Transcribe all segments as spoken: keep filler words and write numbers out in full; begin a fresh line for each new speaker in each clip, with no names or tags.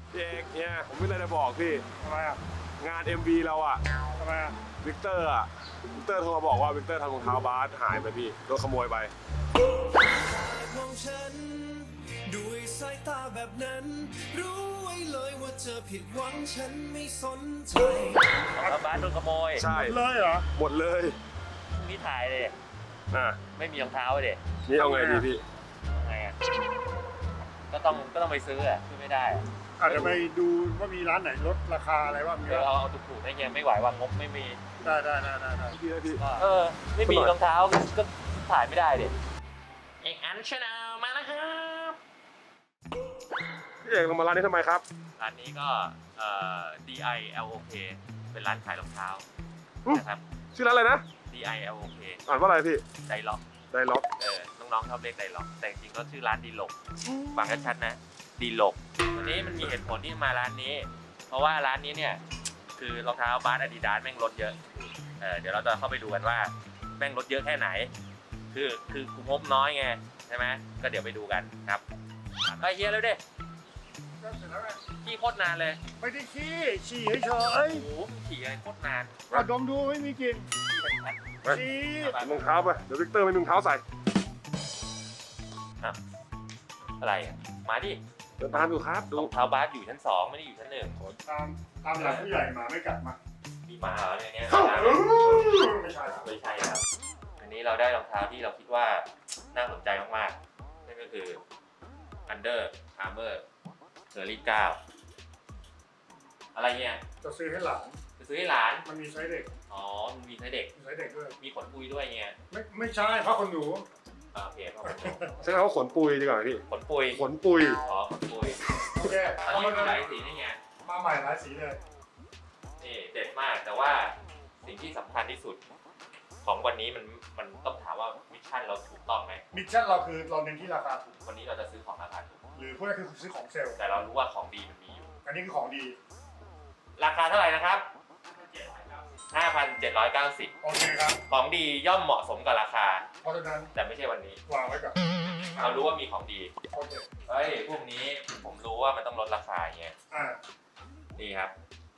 พี่เอกเนี่ยผมไม่เลยจะบอกพี่
ทำไมอ่ะ
งาน เอ็ม วี เราอ่ะ
ทำไมอ่ะ
วิกเตอร์อ่ะวิกเตอร์โทรมาบอกว่าวิกเตอร์ทำรองเท้าบาสหายไปพี่โดนขโมยไป
มองฉันด้วยสายตาแบบนั้น รู้ไว้เลยว่าเธอผิดหวังฉันไม่สนใจ
แล้วบ้านโดนขโมย
ใช่
เลยเหรอ
หมดเลย
พรุ่งนี้ถ่ายเลย
อ่ะ
ไม่มีรองเท้าเลย
นี่เอาไงดีพี่
ไงอ่ะก็ต้องก็ต้องไปซื้ออ่ะซื้อไม่ได้อะ
อาจจะไปดูว่ามีร้านไหนลดราคาอะไรบ้างมี
เดี๋ยว
บ้าง
เอาเอาถูกๆให้เฮียไม่ไหวว่างบไม่มี
ได้ได้ได้ได้ได้
พี่นะพี่
เออไม่มีรองเท้าก็ก็ถ่ายไม่ได้เด็เอกอันชาแนลมาแล้วครับ
พี่เอกลงมาร้านนี้ทำไมครับ
ร้านนี้ก็เอ่อ ดี ไอ แอล โอ เค เป็นร้านขายรองเท้านะครับ
ชื่อร้านอะไรนะ
ดี ไอ แอล โอ เค
อ่านว่าอะไรพี่
ไดล็อก
ไดล็อก
เออน้องๆชอบเรียกไดล็อกแต่จริงๆก็ชื่อร้านดีลกฟังชัดๆนะดีลกวันนี้มันมีเหตุผลที่มาร้านนี้ เพราะว่าร้านนี้เนี่ยคือรองเท้าบาสอาดิดาสแม่งลดเยอะเออเดี๋ยวเราจะเข้าไปดูกันว่าแม่งลดเยอะแค่ไหน คือคือกูงบน้อยไงใช่ไหมก็เดี๋ยวไปดูกันครับไปเฮียแล้วดิ
ก็เสร็จแล้วไง
ขี่โคตรนานเลย
ไม่ได้ขี้ฉี่เฉย
โอ้โหขี่อะไรโคตรนาน
ๆเอาดมดูไม่มีกลิ่น
ไป
ฉี่
รองเท้าไปเดี๋ยววิกเตอร์ไม่มีรองเท้าใส่
อะไรอะมาดิ
เดินตามอยู่ครับดู
รองเท้าบาสอยู่ชั้นสองไม่ได้อยู่ชั้นหนึ่ง
ตามตามหลักผู้ใหญ่หมาไม่กัดมา
มีหมาเหรอในเนี้ย
ไม่ใช่ครับ
ไม่ใช่ครับ อันนี้เราได้รองเท้าที่เราคิดว่าน่าสนใจมากๆ นั่นก็คือ Under Armour เซอร์รี่เก้าอะไรเนี่ย
จะซื้อให้หลาน
จะซื้อให้หลาน
มันมีไซส์เด็ก
อ๋อมันมีไซส์เด็ก
มีไซส์เด็กด้วย
มีขนปุยด้วยเงี้ย
ไม่ไม่ใช่เพราะคนหนู
อ่าโอเคครับ
ใช้คำว่าขนปุยดีกว่าพี่
ขนปุย
ขนปุย
อ๋อขนปุย
โอเค
อัน
เอา
นี้
มา
มี
เล
หลาย ยสีนี่ไง
มาใหม่หลายสีเลย
นี่เด็ดมาก แต่ว่าสิ่งที่สำคัญที่สุดของวันนี้มันมันต้องถามว่ามิชชั่นเราถูกต้องไหม
มิชชั่นเราคือเราเน้นที่ราคาถูก
วันนี้เราจะซื้อของราคาถูก
หรือพวกนี้คือซื้อของเซลล์
แต่เรารู้ว่าของดีมันมีอยู่
อันนี้คือของดี
ราคาเท่าไหร่นะครับ ห้าพันเจ็ดร้อยเก้าสิบ
โอเคครับ
ของดีย่อมเหมาะสมกับราคา
เพราะฉะนั้น
แต่ไม่ใช่วันนี้
วางไว้ก่อน
เรารู้ว่ามีของดี
โอเค
เฮ้ย พวกนี้ผมรู้ว่ามันต้องลดราคาอย่างเงี้ย
อ่า
นี่ครับ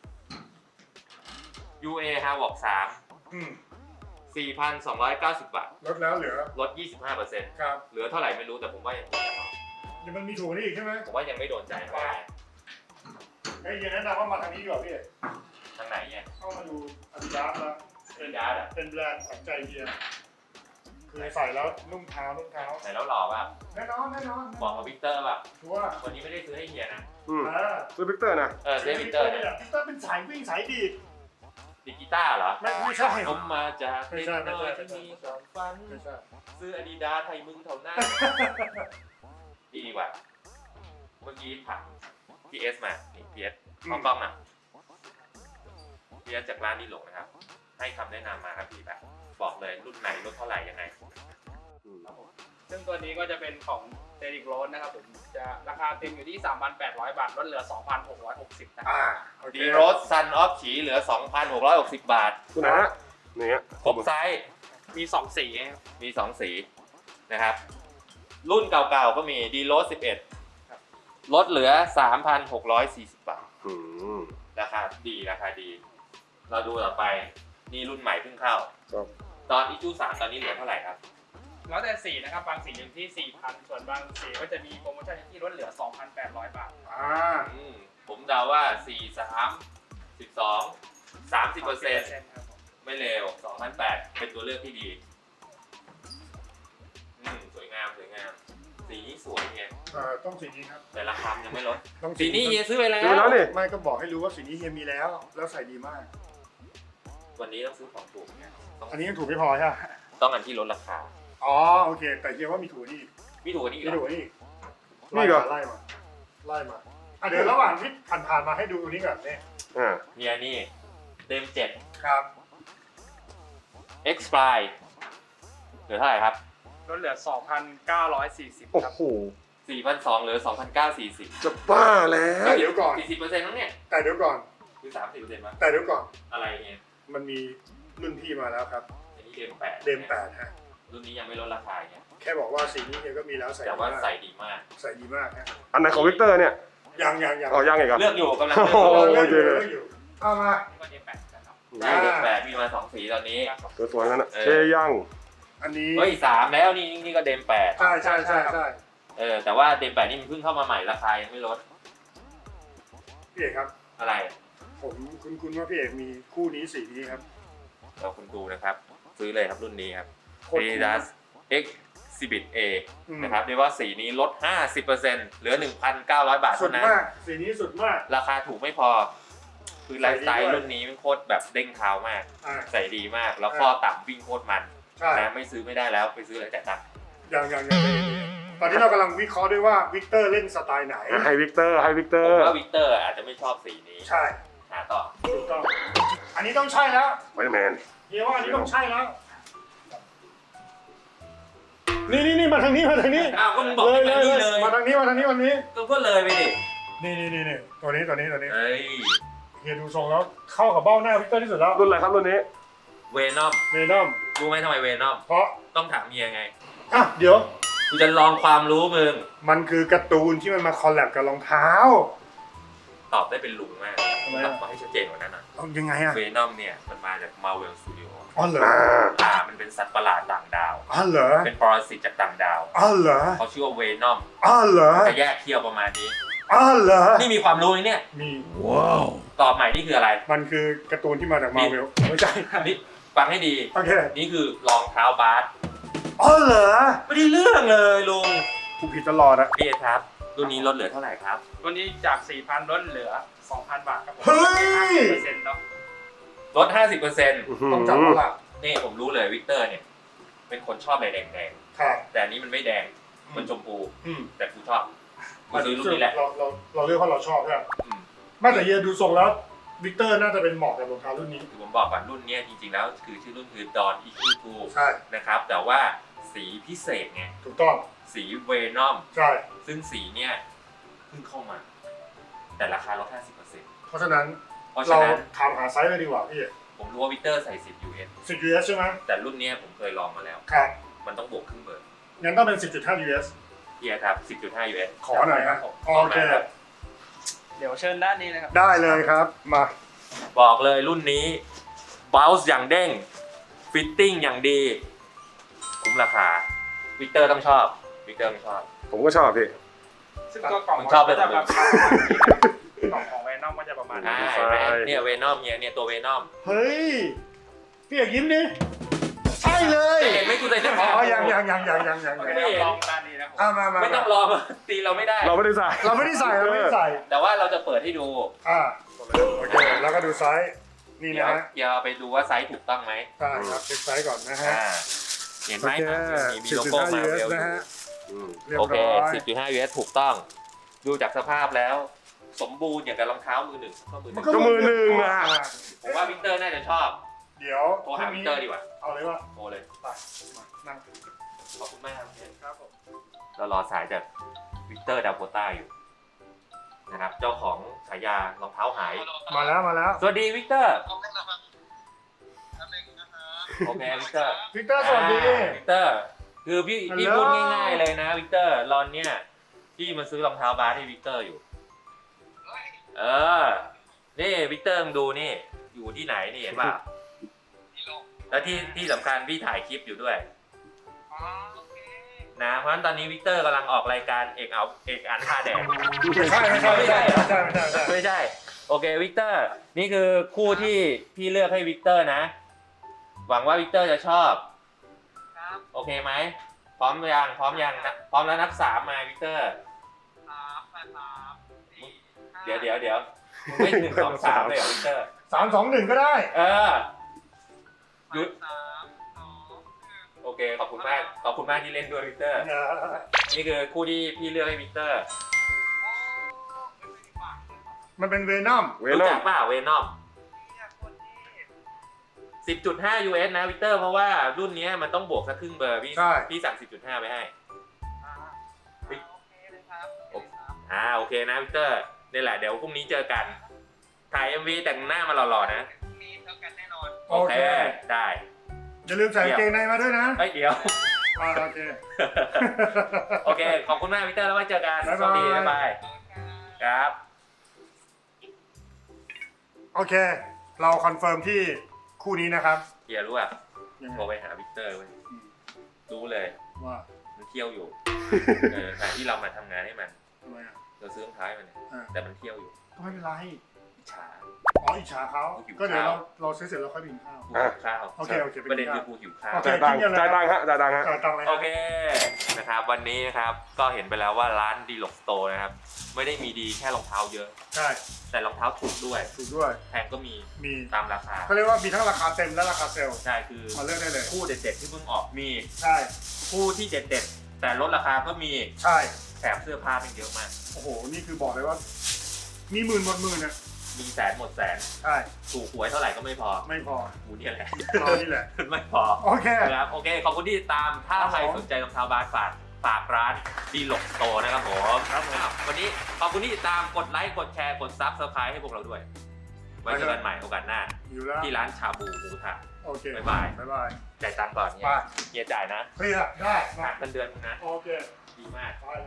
ยู เอ ฮาวอกสาม
อืม
สี่พันสองร้อยเก้าสิบ บาท
ลดแล้วเหลือ
ลด ยี่สิบห้าเปอร์เซ็นต์
ครับ
เหลือเท่าไหร่ไม่รู้แต่ผมว่ายัง
เดี๋ยวมันมีถูกกว่านี้อีกใช่ไหม
ผมว่ายังไม่โดนใจเท่าไหร่
ไอ้ยเย็นแนะนำว่ามาทางนี้ดีกว่าพี่
ทางไหนเนี่ย
เข้ามาดูอาดิดาสแล้ว
เป็นดาร์ดอะ
เป็นแบรนด์ขวัญใจเฮียคือใส่แล้วนุ่มเท้านุ่มเท้า
ไหนแล้วหล่อป่ะ
แน่นอนแน่นอน
บอกกับวิกเตอร์ป่ะ
ชัวร์
วันนี้ไม่ได้ซื้อให้เฮียนะ
อืม
อ่า
ซื้อวิกเตอร์นะ
เออซื้อให้วิกเตอร์เนี่ย
วิกเตอร์เป็นสายวิ่งสายดีด
ดิกีต้าร์เหรอ
ไม่ไม่ใช่
ผมมาจาก
ไม่
เด็ก
ใช่ไม่
น้อ
ใช่
ยที่มีความฝัน
ไม่ใช่
ซื้ออาดิดาสให้มึงเท่านั้น ดีดีกว่า เมื่อกี้ถามพีเอสมา นี่พีเอสเข้ากล้องอ่ะพีเอสจากร้านดีหลงนะครับ ให้คำแนะนำมาครับพี่แบบบอกเลยรุ่นไหนรุ่นเท่าไหร่ยังไง
ซึ่งตัวนี้ก็จะเป็นของเซริกโรสนะครับผมจะราคาเต็มอยู่ที่ สามพันแปดร้อย บาทลดเหลือ สองพันหกร้อยหกสิบ นะครั
อ่า
บ
โอเค
ดีโรสซันออฟฉีเหลือ สองพันหกร้อยหกสิบ บาท
คุณนะอย่างเงี้ย
ครบไซส์
มีสองสีครับ
มีสองสีนะครับ รุ่นเก่าๆก็มีดีโรสสิบเอ็ดลดเหลือ สามพันหกร้อยสี่สิบ บาท
อืม
ราคาดีราคาดี เราดูต่อไปนี่รุ่นใหม่เพิ่งเข้า
ครับ
ตอนอีจูสามตอนนี้เหลือเท่าไหร่ครับ
แล้วแต่สีนะครับ บางสีอยู่ที่ สี่พัน ส่วนบางสีก็จะมีโปรโมชั่นที่ลดเหลือ สองพันแปดร้อย บาท
อ่า
อืมผมเดาว่าสี่ สาม สิบสอง สามสิบเปอร์เซ็นต์
ครับผม
ไม่เร็วสองพันแปดเป็นตัวเลือกที่ดี อืมสวยงามสวยงาม สีนี้สวยไง
เอ่อต้องสีนี้ครับ
แต่ราคายังไม่ลด
ต้อง
สีนี้เฮียซื้อไปแล้
ซื้อแล้ว
ว
นี่
ไม่ก็บอกให้รู้ว่าสีนี้เฮียมีแล้ว แล้วใส่ดีมาก
วันนี้ต้องซื้อของถูกไงต้อง
อันนี้ยังถูกไม่พอใช่ไหม
ต้องอันที่ลดราคา
อ๋อโอเค แต่เฮียว่ามีถูกนี่
มีถูกกว่านี้อีก
มี
เหร
ถูก
อ
นี่
นี่เหรอ
ไล่มาไล่มาอ่ะเดี๋ยวระหว่างที่ผ่านๆมาให้ดูอันนี้ก่อนเนี่ย
อ่า
เฮียนี่เต็มเจ็ด
ครับ
X Fly เหลือเท่าไหร่ครับ
ลดเหลือ สองพันเก้าร้อยสี่สิบ
โอ้
ครับ
โห
สี่พันสองร้อยเหลือ สองพันเก้าร้อยสี่สิบ
จะบ้าแล้ว
แต่เดี๋ยวก่อน
สี่สิบเปอร์เซ็นต์ทั้งเนี่ย
แต่เดี๋ยวก่อน
คือ สามสิบเปอร์เซ็นต์มั้ง
แต่เดี๋ยวก่อน
อะไรเนี่ย
มันมีรุ่นพี่มาแล้วครับ
อันนี้เดมแปด
เดมแปดฮะ
รุ่นนี้ยังไม่ลดราคาเนี่ย
แค่บอกว่าสีนี้เฮียก็มีแล้วใส่
แต่
ดี
ว่า
าก
มใส่ดีมาก
ใส่ดีมากฮะ
อันไหนของวิกเตอร์เนี่ย
ยังยังยัง
อ๋อยังไงครับ
เลือกอยู่กำลัง
โอ้
เลือก
โห
อยู่
เลือกอยู่เลือกอยู่เอามา
ก็เดมแปดกันเนาะ
ได้เด็กแปดมีมาสองสีตอนนี้
ตัวสวยนั่นน่ะ
เออ
เชยัง
อันนี้
เฮ้ยสามแล้วนี่นี่ก็เดมแปด
ใช่ใช่ใช่ใช่
เออแต่ว่าเดมแปดนี่มันเพิ่งเข้ามาใหม่ราคายังไม่ลด
พี่เอกครับ
อะไร
ผมคุณคุณว่าพี่เอกมีคู่นี้สีนี้ครับ
เราคุณดูนะครับ ซื้อเลยครับรุ่นนี้ครับ
โคตรคุ้ม
Adidas Exhibit A
อืม
นะครับเรียกว่าสีนี้ลด ห้าสิบเปอร์เซ็นต์ เหลือ หนึ่งพันเก้าร้อย บาท
สุ
เท่า
ด
นั้น
มากสีนี้สุดมาก
ราคาถูกไม่พอ คือไลฟ์สไต
ใส่ดี
ล์
ด้วย
รุ่นนี้มันโคตรแบบเด้งเท้ามาก
อ่า
ใส่ดีมาก แล้วข้อต่ำวิ่งโคตรมัน
ใช่
นะไม่ซื้อไม่ได้แล้วไปซื้อเลยแต่ตังค์
ยังยังยังตอนนี้เรากำลังวิเคราะห์ด้วยว่าวิกเตอร์เล่นสไตล์ไหน
ให้วิกเตอร์ให้วิกเตอ
ผม
ร์
ว่าวิกเตอร์อาจจะไม่ชอบสีนี้
ใช่
หาต่อ
ถูกต้องอันนี้ต้องใช่แล้ว
ไวท์แมน
เฮียว่าอันนี้ต้องใช่แล้วนี่นี่นี่มาทางนี้มาทางนี้
อ้าวก็มึงบอก
เลย
ให้
เล
มาย นี่
เล
เลย ย
มาทางนี้มาทางนี้วันนี้
ก็ก็เลยไปดิ
นี่นี่นี่นี่ตัวนี้ตัวนี้ตัวนี้
เฮ้ย
เฮียดูทรงแล้วเข้ากับเบ้าหน้าวิกเตอร์ที่สุดแล้ว
รุ่นอะไรครับรุ่นนี้
เวนอม
เมนอม
รู้ไหมทำไมเวนอม
เพราะ
ต้องถามเมียไง
อ่ะเดี๋ยว
กูจะลองความรู้มึง
มันคือการ์ตูนที่มันมาคอลแลบกับรองเท้า
ตอบได้เป็นลุงมาก
ทำไม
ต
อ่ะ
อบมาให้ชัดเจนกว่านั้นหน่อย
เอายังไงอ่ะ
เวนอมเนี่ยมันมาจาก Marvel Studio
อ๋อเหรอ
อ่า
อ่ามันเป็นสัตว์ประหลาดต่างดาว
อ๋อเหรอ
เป็นปรสิตจากต่างดาว
อ๋อเหรอ
เขาชื่อว่าเวนอม
อ๋อเหรอ
จะแยกเขี้ยวประมาณนี้
อ๋อเหรอ
นี่มีความรู้ไหมเนี่ย
มี
ตอบใหม่นี่คืออะไร
มันคือการ์ตูนที่มาจากมาเวลไม่ใช่
นี่ฟังให้ดี
โอเค
นี่คือรองเท้าบาส
อ๋อเหรอ
ไม่ได้เรื่องเลยลุง
กูผิดตลอดอะ
พี่เอครับรุ่นนี้ลดเหลือเท่าไหร่ครับ
วันนี้จาก สี่พัน ลดเหลือ สองพัน บาทครับผม
เฮ้ย
เปอร์เซ็นต์เนาะ
ลด ห้าสิบเปอร์เซ็นต์
ต้องจับแล้วล่ะ
นี่ผมรู้เลยวิกเตอร์เนี่ยเป็นคนชอบอะไรแดง
ครับ
ๆแต่อันนี้มันไม่แดงมันชมพู
อืม
แต่กูชอบกูซื้อรุ่นนี้แหละ
เราเราเราเลือกเพราะเราชอบใช่ไหม
อืม
ไม่แต่เฮียดูทรงแล้ววิกเตอร์น่าจะเป็นเหมาะกับรองเท้ารุ่นนี้
คือผมบอกก่อนรุ่นเนี้ยจริงๆแล้วคือชื่อรุ่นคือ Dawn อี คิว ทู
ใช่
นะครับแต่ว่าสีพิเศษไง
ถูกต้อง
สีเวนอม
ใช่
ซึ่งสีเนี่ยเพิ่งเข้ามา แต่ราคาลด ห้าสิบเปอร์เซ็นต์
เพราะฉะนั้น
เพราะ
เรา
ฉะนั้น
ถามหาไซส์เลยดีกว่าพี่
ผมรู้ว่าวิกเตอร์ใส่สิบ ยู เอส
สิบ ยู เอส ใช่ไหม
แต่รุ่นเนี้ยผมเคยลองมาแล้ว
ครับ
มันต้องบวกครึ่งเบอร์
งั้นต้องเป็น สิบจุดห้า ยู เอส
เอียครับ สิบจุดห้า ยู เอส
ขอหน่อยครับ
ผม
โอเค
ขมารับ
เดี๋ยวเชิญด้านนี้นะครับ
ได้เลยครับมา
บอกเลยรุ่นนี้บ o ลส์อย่างเด้งฟิตติ้งอย่างดี คุ้มราคาวิกเตอร์ต้องชอบวิกเตอร์ต้องชอบ
ผมก็ชอบพี่
ซึ่งตัวกล่อง
มึงชอบเลย
ก็จะ
เหรอ
ประมาณนี้นะครับกล่องของแวนอมก็จะประมาณ
อ่า
นี้
เห็นไหมเนี่ยเวนอมเนี่ยเนี่ยตัวเวนอม
เฮ้ยพี่อยากยิ้มดิใช่เลย
เห็นไหมกูใส่เสื้อ
อ๋
ขาว
อยังยังยังยังยังยัง
โอเค
ยัง
ลองด้านนี้นะครับ
อ่ะมามา
ไม่ต้องรอตีเราไม่ได้
เราไม่ได้ใส่
เราไม่ได้ใส่เราไม่ได้ใส่
แต่ว่าเราจะเปิดให้ดู
อ่าโอเคแล้วก็ดูไซส์นี่
เดี๋ย
นะ
ว
ฮะ
เดี๋ยวไปดูว่าไซส์ถูกต้องไหม
ใช่ครับเช็คไซส์ก่อนนะฮะ
อ่าเห็นไหม
โอเค
มีมีโลโก้มา
สิบ
เว
จุดห้า ยู เอส
ลอ
นะ
ยู่
ฮะ
อืม
เรียบ
โอเค
ร้อย
สิบจุดห้า ยู เอส ถูกต้อง ดูจากสภาพแล้ว สมบูรณ์อย่างกับรองเท้ามือหนึ่งก็มือหนึ่ง
ก็มือหนึ่งอะ
ผมว่าวิกเตอร์น่าจะชอบ
เดี๋ยว
โทรหาวิกเตอร์ดีกว่า
เอาเลยว่า
โทรเลย
ไปมานั่ง
ขอบคุณมากครับเชน
ครับผม
เรารอสายจากวิกเตอร์ดาวโคต้าอยู่นะครับ เจ้าของฉายารองเท้าหาย
มาแล้วมาแล้ว
สวัสดีวิกเตอร์ โอเควิกเตอร์
วิกเตอร์สวัสดี
อ่าวิกเตอร์ คือพี่พี่
ฮัลโหล
พูดง่ายๆเลยนะวิกเตอร์รอนเนี่ยพี่มาซื้อรองเท้าบาสให้วิกเตอร์อยู่ เออ นี่วิกเตอร์มึงดูนี่ อยู่ที่ไหนนี่เห็นป่ะ แล้วที่ที่สำคัญพี่ถ่ายคลิปอยู่ด้วยนะเพราะฉะนั้นตอนนี้วิกเตอร์กำลังออกรายการเอกเอาเอกอันท่าแดง
ไม่ใช่ไม่ใช่ไม่ใช่ไม่ใช่ไม่ใช่ไม่ใช่
ไม่ใช่ โอเควิกเตอร์นี่คือคู่ที่พี่เลือกให้วิกเตอร์นะ หวังว่าวิกเตอร์จะชอบโอเคไหมพร้อมยังพร้อมยังนะพร้อมแล้วนับสามมาวิกเตอร์เดี๋ยวเดี๋ยวเดี๋ยวมึงไม่หนึ่งสองสามเลยเหรอวิกเตอร์
สามสองหนึ่งก็ได้
เออหยุดโอเคขอบคุณมากขอบคุณมากที่เล่นด้วยวิกเตอร์ นี่คือคู่ที่พี่เลือกให้วิกเตอร์
มันเป็นเวนอม
เว
รู้
นอ
จั
ม
กเปล่าเวนอม สิบจุดห้า ยู เอส นะวิกเตอร์เพราะว่ารุ่นนี้มันต้องบวกสักครึ่งเบอร์พี่
ใช่
พี่สั่ง สิบจุดห้า ไปให้อ่าโอเคนะวิกเตอร์นี่แหละเดี๋ยวพรุ่งนี้เจอกัน ถ่าย เอ็ม วี แต่งหน้ามาหล่อๆนะ โอเคได้
อย่าลืมใส่กางเกงในมาด้วยนะ
เฮ้ยเดี๋ยว
อ่าโอเค
โอเค ขอบคุณมากวิกเตอร์แล้วไว้เจอกัน
บ๊าย
ส
บาย
วัสดีบ๊ายบายครับ
โอเค เราคอนเฟิร์มที่คู่นี้นะครับ
เฮียรู้อ่ะ
ยังไง
โทรไปหาวิกเตอร์เว้ย
อืม
รู้เลย
ว่า
มันเที่ยวอยู่ เออแต่ที่เรามาทำงานให้มัน
ทำไมอ่ะ
เราซื้อรองเท้าให้มันเนี่ย
อ่า
แต่มันเที่ยวอยู่
ก็ไม่เป็นไร
อิจฉา
อ๋ออิจฉาเขา
หิว
ก็เดี๋ยว
ข้าว
เราเราซื้อเสร็จแล้วค่อยไปกินข้าว
กูหิวข้าว
โอเคโอเคไป
ประเด็น
กิน
คื
ข้าว
อกูหิวข้าว
โอเค
จ่ายตังค์จ่ายตังค์ฮะจ่ายตังค์ฮะ
เออตังค์เลย
โอเคนะครับวันนี้นะครับก็เห็นไปแล้วว่าร้านดีหลกสโตร์นะครับไม่ได้มีดีแค่รองเท้าเยอะ
ใช่
แต่รองเท้าถูกด้วย
ถูกด้วย
แพงก็มี
มี
ตามราคา
เขาเรียกว่ามีทั้งราคาเต็มและราคาเซลล์
ใช่คือ
มาเลือกได้เลย
คู่เด็ดๆที่เพิ่งออกมี
ใช่
คู่ที่เด็ดๆแต่ลดราคาก็มี
ใช่
แถมเสื้อผ้าเป็นเยอะมาก
โอ้โห นี่คือบอกเลยว่า มีหมื่นหมดหมื่นนะ
มีแสนหมดแสน
ใช่
ถูกหวยเท่าไหร่ก็ไม่พอ
ไม่พอ
กูเนี่ยแหละ
เรานี่แหละ
ไม่พอ
โอเค
นะครับโอเคขอบคุณที่ติดตามถ้า
ครับ
ใคร
ผม
สนใจรองเท้าบาสฝากฝากร้านดีหลกสโตร์นะครับผม
ครับผม
อ้าววันนี้ขอบคุณที่ติดตามกดไลค์กดแชร์กดซับสไครต์ให้พวกเราด้วย ไว้เจอกันใหม่โอกาสหน้า
อยู่แล้ว
ที่ร้านชาบูหมูทะ
โอเค
บ๊ายบาย
บ๊ายบาย
จ่ายตังค์ก่อนเนี่ย
ไป
เฮียจ่ายนะ
เคลียร์ได้
หั
มาก
เงินเดือนมึงนะ
โอเค
ดีมาก
ไป